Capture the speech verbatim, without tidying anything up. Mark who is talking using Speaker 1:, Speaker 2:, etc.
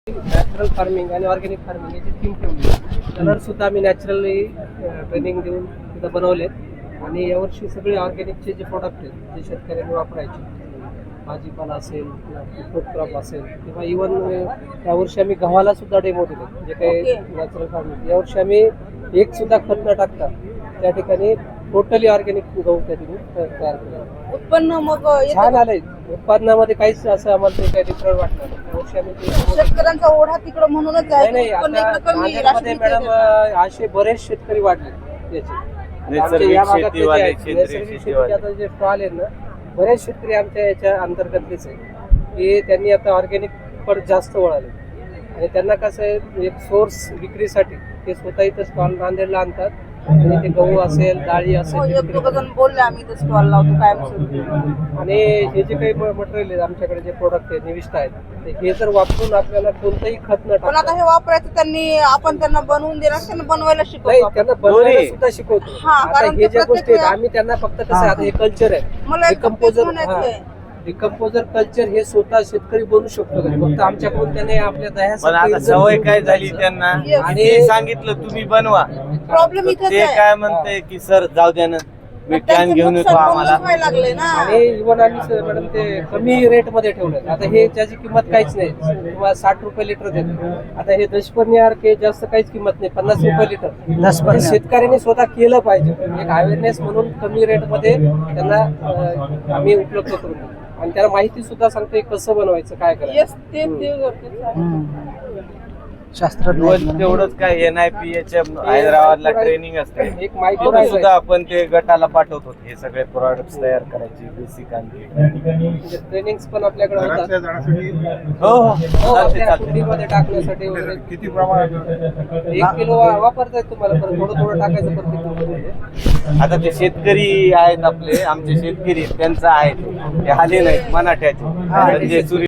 Speaker 1: Natural farming आणि organic farming याची theme ठेवली. कलर सुद्धा आम्ही नॅचरली ट्रेनिंग देऊन तिथं बनवलेत आणि यावर्षी सगळे ऑर्गॅनिकचे जे प्रोडक्ट आहेत जे शेतकऱ्यांनी वापरायचे, भाजीपाला असेल फ्रूट क्रॉप असेल किंवा इव्हन यावर्षी आम्ही गव्हाला सुद्धा डेमो दिले जे काही नॅचरल फार्मिंग. यावर्षी आम्ही एक सुद्धा खत न टाकता त्या ठिकाणी टोटली ऑर्गॅनिक गहू त्या ठिकाणी तयार केलं.
Speaker 2: उत्पन्न मग
Speaker 1: छान आलंय. उत्पादनामध्ये काहीच असं आम्हाला काही डिफरंट वाटलं नाही. यावर्षी आम्ही ते
Speaker 2: शेतकऱ्यांचा ओढा तिकडं म्हणूनच
Speaker 1: नाही
Speaker 2: आहे.
Speaker 1: नाही
Speaker 2: उत्पन्न
Speaker 1: आता
Speaker 2: इकडं कमी
Speaker 1: नांदेडमध्ये
Speaker 2: राशन
Speaker 1: मॅडम असे बरेच शेतकरी वाढले याचे. आमच्या या भागातले जे आहेत, नैसर्गिक शेतीचे आता जे स्टॉल आहेत ना, बरेच शेतकरी आमच्या याच्या अंतर्गतलेच आहे की त्यांनी आता ऑर्गॅनिक कडे जास्त वळाले आणि त्यांना कसं आहे एक सोर्स विक्रीसाठी ते स्वतः इथं स्टॉल नांदेडला आणतात आणि ते गहू असेल डाळी
Speaker 2: हो,
Speaker 1: असेल
Speaker 2: एक दोघं जण बोलले आम्ही इथं स्टॉल लावतो कायम.
Speaker 1: आणि हे जे काही मटेरियल आहे आमच्याकडे जे प्रोडक्ट आहे निविष्ट आहेत ते हे जर वापरून आपल्याला कोणतंही खत न
Speaker 2: पण आता
Speaker 1: टाकता
Speaker 2: हे वापरायचं त्यांनी आपण त्यांना बनवून देणार त्यांना बनवायला
Speaker 1: नाही
Speaker 2: शिकवतो आपण.
Speaker 1: त्यांना बनवायला सुद्धा शिकवतो.
Speaker 2: हा,
Speaker 1: आता
Speaker 2: कारण
Speaker 1: हे
Speaker 2: ते
Speaker 1: ज्या गोष्टी आहेत
Speaker 2: प्रत्येक
Speaker 1: आम्ही त्यांना फक्त कसं आहे, आता हे कल्चर आहे
Speaker 2: मला एक
Speaker 1: डिकम्पोजर
Speaker 2: म्हणायचं आहे.
Speaker 1: डिकम्पोजर कल्चर हे स्वतः शेतकरी बनू शकतो घरी. फक्त आमच्याकडून त्याने आपल्या
Speaker 3: पण आता
Speaker 1: दह्यासाठी
Speaker 3: सवय काय झाली त्यांना
Speaker 2: Yes.
Speaker 3: आणि ते सांगितलं तुम्ही बनवा
Speaker 2: प्रॉब्लेम इथेच
Speaker 3: ते
Speaker 2: आहे.
Speaker 3: काय म्हणते की सर जाऊ द्या ना मी कॅन
Speaker 2: त्यांचं
Speaker 3: घेऊन येतो
Speaker 2: नुकसान
Speaker 3: आम्हाला.
Speaker 2: बंदच व्हायला लागले ना.
Speaker 1: आणि इव्हन आम्ही स- मॅडम ते कमी रेट मध्ये ठेवलं. आता हे ज्याची किंमत काहीच नाही, तुम्हाला साठ रुपये लिटर देतो. आता हे दशपर्णी जास्त काहीच किंमत नाही, पन्नास रुपये लिटर. हे शेतकऱ्यांनी स्वतः केलं पाहिजे. एक अवेअरनेस म्हणून कमी रेट मध्ये त्यांना अं, आम्ही उपलब्ध करून देतो आणि त्याला माहिती सुद्धा सांगतो कसं बनवायचं काय करायचं.
Speaker 2: Yes, ते ते गरजेचं आहे.
Speaker 3: दिवस तेवढंच काय एन आय पी एच्या हैदराबादला ट्रेनिंग असते
Speaker 1: एक माहिती
Speaker 3: तिथं
Speaker 1: राहिलं.
Speaker 3: सुद्धा आपण ते गटाला पाठवतो हे सगळे प्रोडक्ट तयार करायचे बेसिक आणखी
Speaker 1: ट्रेनिंग्स पण आपल्याकडे होतात.
Speaker 4: द्राक्षाच्या झाडासाठी
Speaker 3: हो हो
Speaker 1: हो,
Speaker 3: चालते
Speaker 1: आपल्या
Speaker 3: चालते
Speaker 1: कुंडीमध्ये टाकण्यासाठी वगैरे
Speaker 4: किती प्रमाणात
Speaker 1: एक किलो वा- वापरतायत तुम्हाला परत थोडं थोडं टाकायचं प्रत्येक कुंडीमध्ये.
Speaker 3: आता ते शेतकरी आहेत आपले आमचे शेतकरी त्यांचं आहे ते आले नाहीत मराठ्याचे म्हणजे सूर्य